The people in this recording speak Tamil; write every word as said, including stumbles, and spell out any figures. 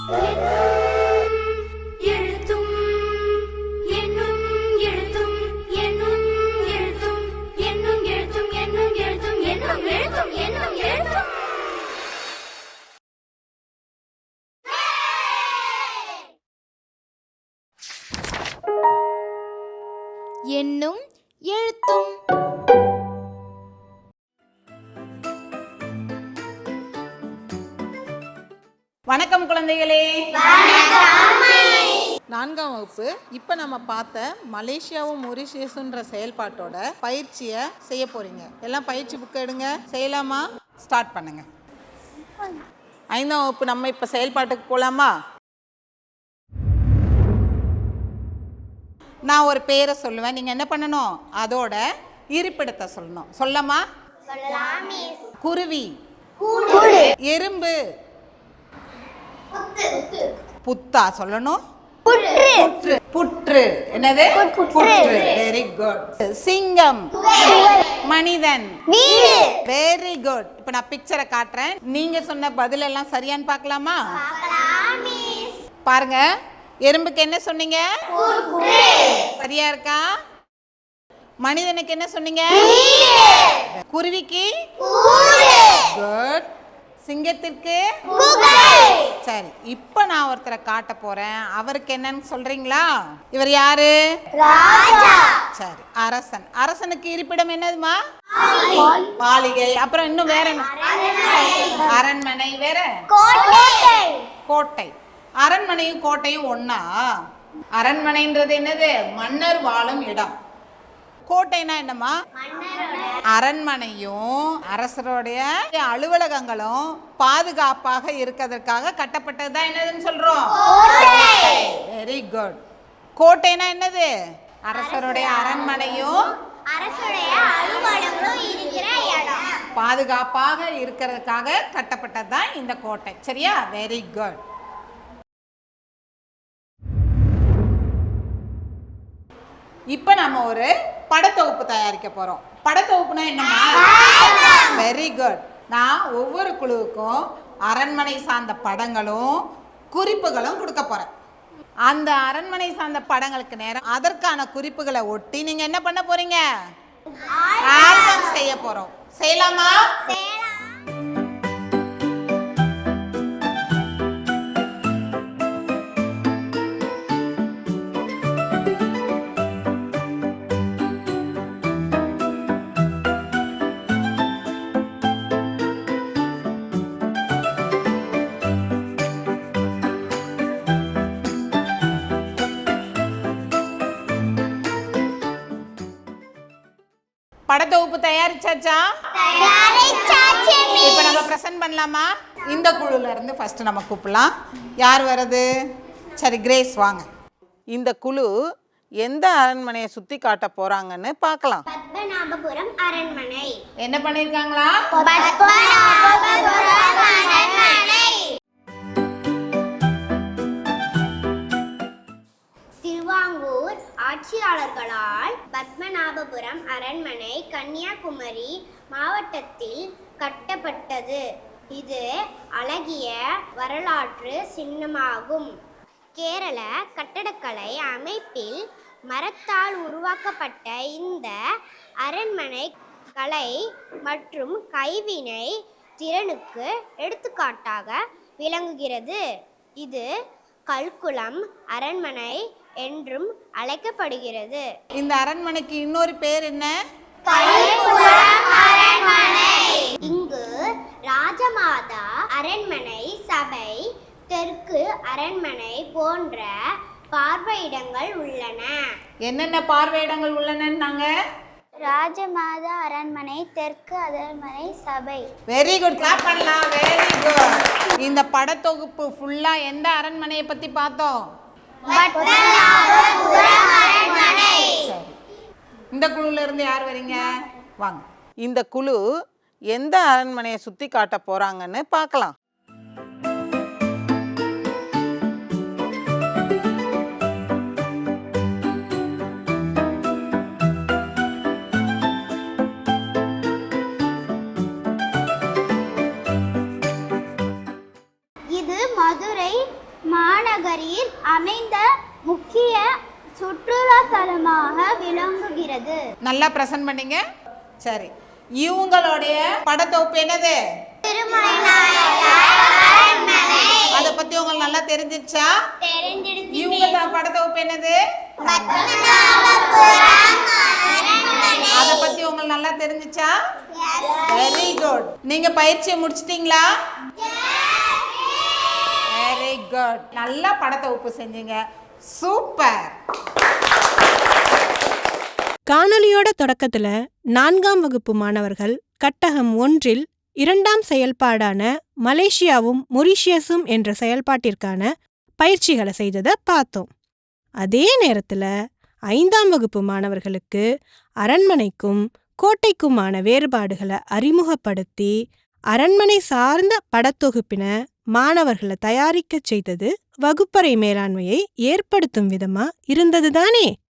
எண்ணும் எழுத்தும். வணக்கம் குழந்தைகளே. நான்காம் வகுப்பு இப்போ நம்ம பார்த்த மலேசியாவும் மொரிஷியஸுன்ற செயல்பாட்டோட பயிற்சியை செய்ய போறீங்க. எல்லாம் பயிற்சி புக்கை எடுங்க, செய்யலாமா? ஸ்டார்ட் பண்ணுங்க. ஐந்தாம் வகுப்பு நம்ம இப்போ செயல்பாட்டுக்கு போகலாமா? நான் ஒரு பேரை சொல்லுவேன், நீங்கள் என்ன பண்ணணும்? அதோட இருப்பிடத்தை சொல்லணும். சொல்லமா? குருவி, எறும்பு, புத்தா சொல்லணும். புற்று, புற்று என்னது? புற்று. Very good. சிங்கம், மனிதன். Very good. இப்போ நான் பிக்சரை காட்டுறேன், நீங்க சொன்ன பதில் எல்லாம் சரியான்னு பார்க்கலாமா? பாருங்க. எறும்புக்கு என்ன சொன்னீங்க? சரியா இருக்கா? மனிதனுக்கு என்ன சொன்னீங்க? குருவிக்கு? குட். சிங்கத்திற்கு? சரி, இப்ப நான் ஒருத்தரை காட்ட போறேன், அவருக்கு என்னன்னு சொல்றீங்களா? இவர் யாரு? சரி, அரசன். அரசனுக்கு இருப்பிடம் என்னதுமா? மாளிகை. அப்புறம் இன்னும் வேற என்ன? அரண்மனை. வேற? கோட்டை. அரண்மனையும் கோட்டையும் ஒன்னா? அரண்மனைன்றது என்னது? மன்னர் வாழும் இடம். கோட்டைனா என்னமா? அரண்மனையும் அரசருடைய அலுவலகங்களும் பாதுகாப்பாக இருக்கிறதுக்காக கட்டப்பட்டது தான் என்னதுன்னு சொல்றோம்? Very good. கோட்டைனா என்னது? அரசருடைய அரண்மனையும் பாதுகாப்பாக இருக்கிறதுக்காக கட்டப்பட்டது தான் இந்த கோட்டை. சரியா? Very good. இப்போ நம்ம ஒரு படத்தொகுப்பு தயாரிக்க போறோம். படத்தொகுப்புனா என்னமா? Very good. நான் ஒவ்வொரு குழுவுக்கும் அரண்மனை சார்ந்த படங்களும் குறிப்புகளும் கொடுக்க போறேன். அந்த அரண்மனை சார்ந்த படங்களுக்கு நேரம் அதற்கான குறிப்புகளை ஒட்டி நீங்க என்ன பண்ண போறீங்க? ஆல்பம் செய்ய போறோம். செய்யலாமா? படத்தொகுப்பு தயாரிச்சாச்சா? இப்போ நம்ம பிரசன்ட் பண்ணலாமா? இந்த குழுல இருந்து ஃபர்ஸ்ட் நம்ம கூப்பிடலாம். யார் வருது? சரி, கிரேஸ் வாங்க. இந்த குழு எந்த அரண்மனையை சுத்தி காட்ட போறாங்கன்னு பார்க்கலாம். பத்மநாபபுரம் அரண்மனை. என்ன பண்ணிருக்காங்களா? பத்மநாபபுரம் அரண்மனை. திருவாங்கூர் ஆட்சியாளர்களால் பத்மநாபபுரம் அரண்மனை கன்னியாகுமரி மாவட்டத்தில் கட்டப்பட்டது. இது அழகிய வரலாற்று சின்னமாகும். கேரள கட்டடக்கலை அமைப்பில் மரத்தால் உருவாக்கப்பட்ட இந்த அரண்மனை கலை மற்றும் கைவினை திறனுக்கு எடுத்துக்காட்டாக விளங்குகிறது. இது கல்குளம் அரண்மனை என்றும் அழைக்கப்படுகிறது. இந்த அரண்மனைக்கு இன்னொரு பேர் என்ன? கல்குளம் அரண்மனை. இங்கு ராஜமாதா அரண்மனை, சபை, தெற்கு அரண்மனை போன்ற பார்வையிடங்கள் உள்ளன. என்னென்ன பார்வையிடங்கள் உள்ளனன்னாங்க? ராஜமாதா அரண்மனை, தெற்கு அரண்மனை, சபை. Very good. கிளாப் பண்ணலாம். Very good. இந்த படத்தொகுப்பு ஃபுல்லா எந்த அரண்மனையை பத்தி பார்த்தோம்? பத்மநாபபுரம் அரண்மனை. இந்த குழுல இருந்து யார் வரீங்க? வாங்க. இந்த குழு எந்த அரண்மனையை சுத்தி காட்ட போறாங்கன்னு பார்க்கலாம். இது மதுரை அமைந்த முக்கிய சுற்றுலா தலமாக விளங்குகிறது. நல்லா பிரசன்ட் பண்ணீங்க. சரி, இவங்களுடைய படத்தொகுப்பு என்னது? அதை பத்தி உங்களுக்கு நல்லா தெரிஞ்சிச்சா? இவங்க படத்தொகுப்பு என்னது? அதை பத்தி உங்களுக்கு நல்லா தெரிஞ்சிச்சா? Very good. நீங்க பயிற்சியை முடிச்சிட்டீங்களா? Very good. நல்லா படத்தொகுப்பு செஞ்சீங்க. சூப்பர். காணொலியோட தொடக்கத்துல நான்காம் வகுப்பு மாணவர்கள் கட்டகம் ஒன்றில் இரண்டாம் செயல்பாடான மலேசியாவும் மொரீஷியஸும் என்ற செயல்பாட்டிற்கான பயிற்சிகளை செய்ததை பார்த்தோம். அதே நேரத்துல ஐந்தாம் வகுப்பு மாணவர்களுக்கு அரண்மனைக்கும் கோட்டைக்குமான வேறுபாடுகளை அறிமுகப்படுத்தி அரண்மனை சார்ந்த படத்தொகுப்பினை மாணவர்களை தயாரிக்க செய்தது வகுப்பறை மேலாண்மையை ஏற்படுத்தும் விதமா இருந்தது தானே?